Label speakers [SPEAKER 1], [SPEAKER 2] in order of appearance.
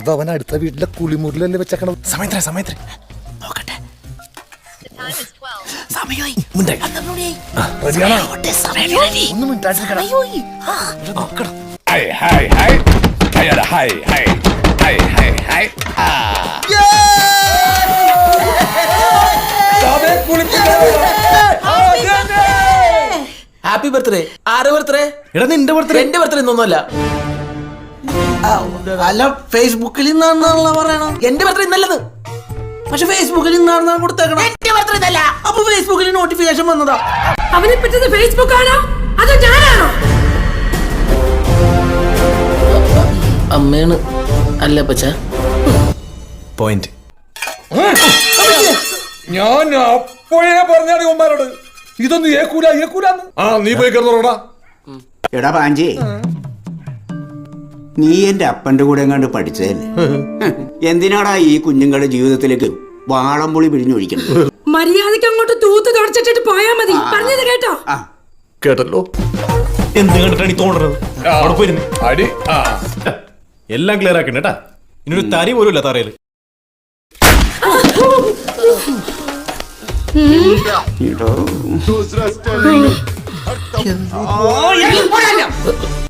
[SPEAKER 1] അതവൻ അടുത്ത വീട്ടിലെ കുളിമുറിലല്ലേ വെച്ചേക്കണം.
[SPEAKER 2] സമയത്ര നോക്കട്ടെ.
[SPEAKER 1] ഒന്നും മിണ്ടാട്ടിരിക്കണം.
[SPEAKER 3] Happy birthday. ആരുടെ ബർത്ത്ഡേ?
[SPEAKER 2] എടാ നിന്റെ ബർത്ത്ഡേ.
[SPEAKER 3] എന്റെ ബർത്ത്ഡേ ഇന്നൊന്നുമല്ല.
[SPEAKER 4] അല്ല, ഫേസ്ബുക്കിൽ ഇന്നാണെന്നാണല്ലോ പറയണം.
[SPEAKER 3] എന്റെ ബർത്ത്ഡേ ഇന്നല്ലത്.
[SPEAKER 4] പക്ഷെ ഫേസ്ബുക്കിൽ ഇന്നാണെന്നാണ് കൊടുത്തേക്കണം.
[SPEAKER 3] എന്റെ ബർത്ത്ഡേ ഇന്നല്ല.
[SPEAKER 4] അപ്പൊ ഫേസ്ബുക്കിൽ നോട്ടിഫിക്കേഷൻ വന്നതാ.
[SPEAKER 5] അവനെ പറ്റുന്നത് ഫേസ്ബുക്ക് ആണോ അതോ ഞാനാണോ?
[SPEAKER 3] അമ്മയാണ്. അല്ല പച്ച
[SPEAKER 2] പോയിന്റ്.
[SPEAKER 1] ഞാൻ അപ്പോഴേ പറഞ്ഞാണ് ഉമ്മാരോട് ഇതൊന്നും ഏക്കൂലാന്ന്. നീ പോയി കിടന്നോടാ.
[SPEAKER 6] എടാ പാഞ്ചി, നീ എന്റെ അപ്പന്റെ കൂടെ എങ്ങാണ്ട് പഠിച്ചതല്ലേ? എന്തിനാടാ ഈ കുഞ്ഞുങ്ങളുടെ ജീവിതത്തിലേക്ക് വാളംപുളി പിഴിഞ്ഞൊഴിക്കുന്നത്?
[SPEAKER 5] മര്യാദക്ക് അങ്ങോട്ട് തൂത്ത് തുടച്ചിട്ട് പോയാ മതി. പറഞ്ഞത് കേട്ടോ?
[SPEAKER 2] കേട്ടല്ലോ. എന്ത് കണ്ടിട്ടാണ് ഈ തോന്നുന്നത്? അവിടെ പോയിരുന്നു
[SPEAKER 1] അടി.
[SPEAKER 2] എല്ലാം ക്ലിയർ ആക്കണ്ട കേട്ടാ. ഇനൊരു തരി പോലും ഇല്ല തറയില്.
[SPEAKER 6] ഇടോ.